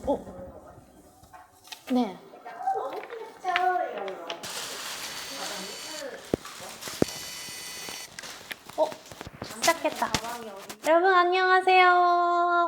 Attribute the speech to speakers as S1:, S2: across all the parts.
S1: 어? 네. 시작했다. 여러분 안녕하세요.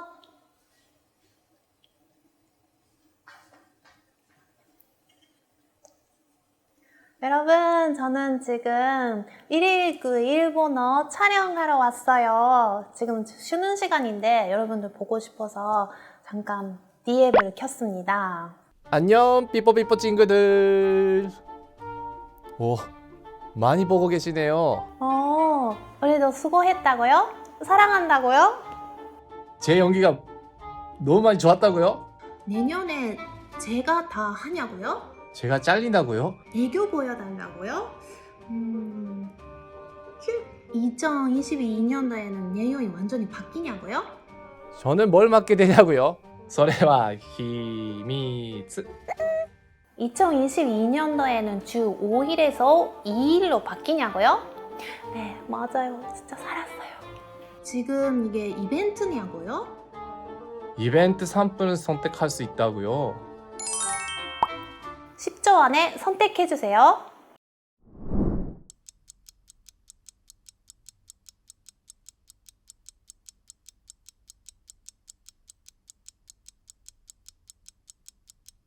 S1: 여러분 저는 지금 1일 일본어 촬영하러 왔어요. 지금 쉬는 시간인데 여러분들 보고 싶어서 잠깐 D앱을 켰습니다.
S2: 안녕 삐뽀삐뽀 친구들. 오, 많이 보고 계시네요.
S1: 우리도 수고했다고요? 사랑한다고요?
S2: 제 연기가 너무 많이 좋았다고요?
S1: 내년에 제가 다 하냐고요?
S2: 제가 잘린다고요?
S1: 애교 보여달라고요? 2022년도에는 내용이 완전히 바뀌냐고요?
S2: 저는 뭘 맡게 되냐고요? 소레와 히미츠.
S1: 2022년도에는 주 5일에서 2일로 바뀌냐고요? 네, 맞아요. 진짜 살았어요. 지금 이게 이벤트냐고요?
S2: 이벤트 3분을 선택할 수 있다고요?
S1: 10초 안에 선택해주세요.